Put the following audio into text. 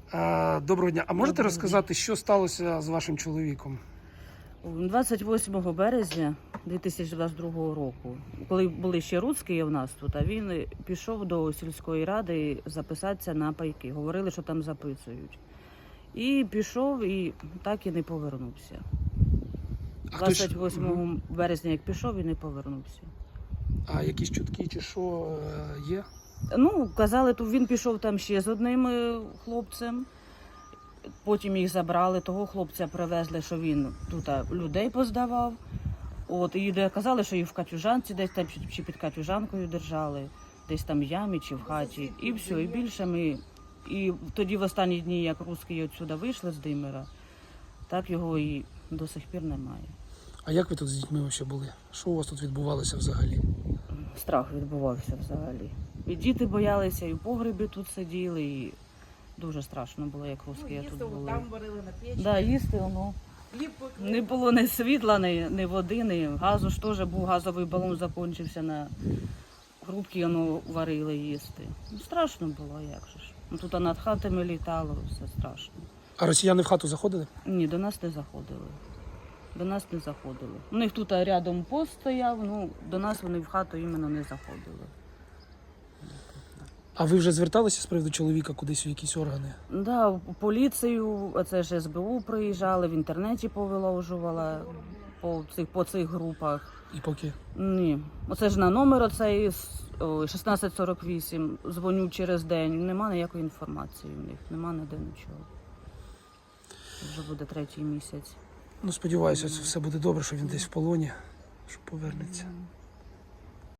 Доброго дня. А можете розказати, що сталося з вашим чоловіком? 28 березня 2022 року, коли були ще русські у нас тут, а він пішов до сільської ради записатися на пайки. Говорили, що там записують. І пішов, і так і не повернувся. 28 березня, як пішов, і не повернувся. А якісь чутки чи що є? Ну, казали, то він пішов там ще з одним хлопцем. Потім їх забрали, того хлопця привезли, що він тут людей поздавав. І казали, що їх в катюжанці десь там, чи під катюжанкою держали, десь там в ямі чи в хаті. І все, і більше ми. І тоді в останні дні, як русські відсюди вийшли з Димира, так його і до сих пір немає. А як ви тут з дітьми ще були? Що у вас тут відбувалося взагалі? Страх відбувався взагалі. І діти боялися, і в погребі тут сиділи, і дуже страшно було, як русські тут були. Там варили на печі. Да, їсти, не було ні світла, ні води, ні газу. Ж теж був газовий балон, закінчився на грубки, варили їсти. Страшно було, як же ж. Тут над хатами літало, все страшно. А росіяни в хату заходили? Ні, до нас не заходили. До нас не заходили. У них тут рядом пост стояв, до нас вони в хату іменно не заходили. А ви вже зверталися з приводу чоловіка кудись у якісь органи? Да, в поліцію, це ж СБУ приїжджали, в інтернеті повиложувала по цих групах. І поки? Ні. Оце ж на номер оцей 1648, дзвоню через день, нема ніякої інформації в них, нема ніде нічого. Вже буде 3-й місяць. Ну, сподіваюся, все буде добре, що він десь в полоні, що повернеться.